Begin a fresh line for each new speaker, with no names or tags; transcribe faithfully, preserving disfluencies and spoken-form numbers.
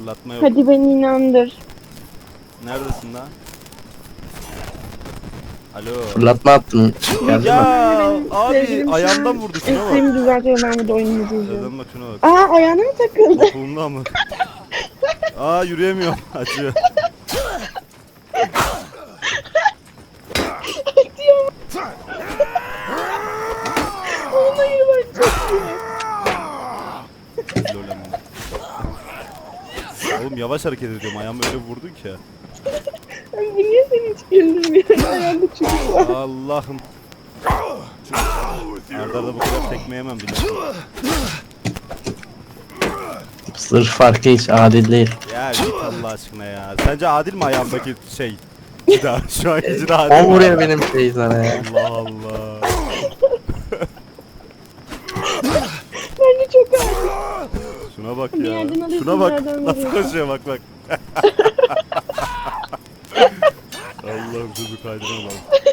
Fırlatma yok.
Hadi beni inandır.
Neredesin lan? Alo.
Fırlatma attın. Geldi
Ya
mi?
abi
Sevgilim şu
ayağımdan
an
vurdu, şuna bak.
Ekstremi düzeltiyor, ben burada oyunu izleyeceğim.
Neden bak, şuna bak.
Aa, ayağına mı takıldı?
Kolumda mı? Aa, yürüyemiyorum. Acıyor.
Ona yürü bak, çok iyi.
Lolem. Oğlum yavaş hareket ediyorum. Ayağımı öyle vurdun ki.
Ay, bu niye seni hiç güldürmüyor? Ayağında çocuk var.
Allah'ım. Arda arda bu kadar tekme yemem biliyorsun.
Sırf farkı hiç adil değil.
Ya git Allah aşkına ya. Sence adil mi ayağımdaki şey? Cida. Şu anki cida adil
O
mi?
vuruyor benim şeyi sana ya.
Allah Allah.
Bence çok ağır.
Şuna bak
Bir
ya.
yerden alıyorsun,
Şuna bak.
bir yerden
Nasıl
vuruyorsun.
koşuyor, bak bak. Allah'ım, çocuk kaydırma lan.